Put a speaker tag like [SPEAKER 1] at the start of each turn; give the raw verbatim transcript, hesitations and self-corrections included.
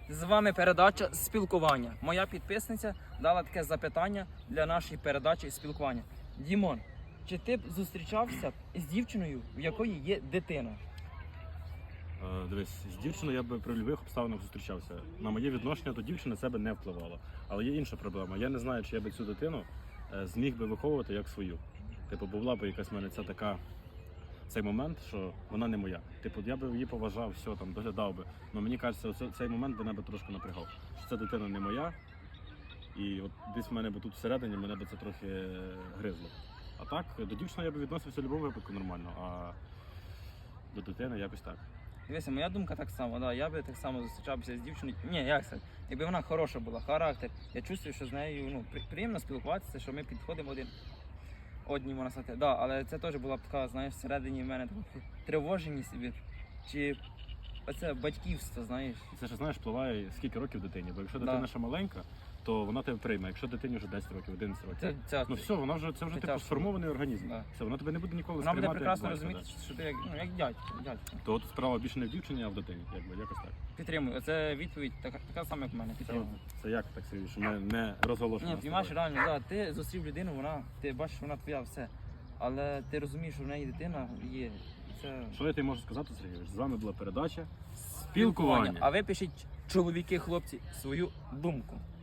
[SPEAKER 1] З вами передача спілкування. Моя підписниця дала таке запитання для нашої передачі спілкування. Дімон, чи ти б зустрічався з дівчиною, в якої є дитина?
[SPEAKER 2] Е, Дивись, з дівчиною я би при будь-яких обставинах зустрічався. На моє відношення до дівчини це би не впливало. Але є інша проблема. Я не знаю, чи я би цю дитину е, зміг би виховувати як свою. Типу, була б якась в мене ця така цей момент, що вона не моя. Типу, я би її поважав, все там доглядав би. Але мені кажеться, оце- цей момент би мене би трошки напрягав. Що ця дитина не моя, і от десь в мене би тут всередині мене би це трохи е, гризло. А так, до дівчини я би відносився в будь-якому випадку нормально, а до дитини якось так.
[SPEAKER 1] Дивися, моя думка так само, да, я би так само зустрічався з дівчиною. Ні, як це? Якби вона хороша була, характер. Я чувствую, що з нею ну, при- приємно спілкуватися, що ми підходимо один одній, можна сказати. Да, але це теж була б така, знаєш, всередині в мене така тривоженість від- чи оце батьківство, знаєш.
[SPEAKER 2] І це ж, знаєш, впливає скільки років дитині. Бо якщо
[SPEAKER 1] Да.
[SPEAKER 2] дитина ще маленька, то вона тебе прийме. Якщо дитині вже десять років, одинадцять років.
[SPEAKER 1] Це, це,
[SPEAKER 2] Ну все, вона вже це вже
[SPEAKER 1] це
[SPEAKER 2] типу
[SPEAKER 1] тяжко.
[SPEAKER 2] сформований організм.
[SPEAKER 1] Да.
[SPEAKER 2] Все, вона тебе не буде ніколи
[SPEAKER 1] вона буде
[SPEAKER 2] сприймати
[SPEAKER 1] прекрасно
[SPEAKER 2] як батька,
[SPEAKER 1] розуміти, що ти як, ну, як дядько, дядько.
[SPEAKER 2] да. То от справа більше не в дівчині, а в дитині. Якби якось так.
[SPEAKER 1] Підтримую. Оце відповідь така, така сама, як в мене.
[SPEAKER 2] Це,
[SPEAKER 1] Підтримую.
[SPEAKER 2] це як так Сергій, що не, не розголошено.
[SPEAKER 1] Ні, піймаєш реально, да, ти зустрів людину, вона, ти бачиш, вона твоя все. Але ти розумієш, що в неї дитина є. І Це
[SPEAKER 2] Що я тобі можу сказати, Сергій? З вами була передача Спілкування.
[SPEAKER 1] А ви пишіть, чоловіки, хлопці, свою думку.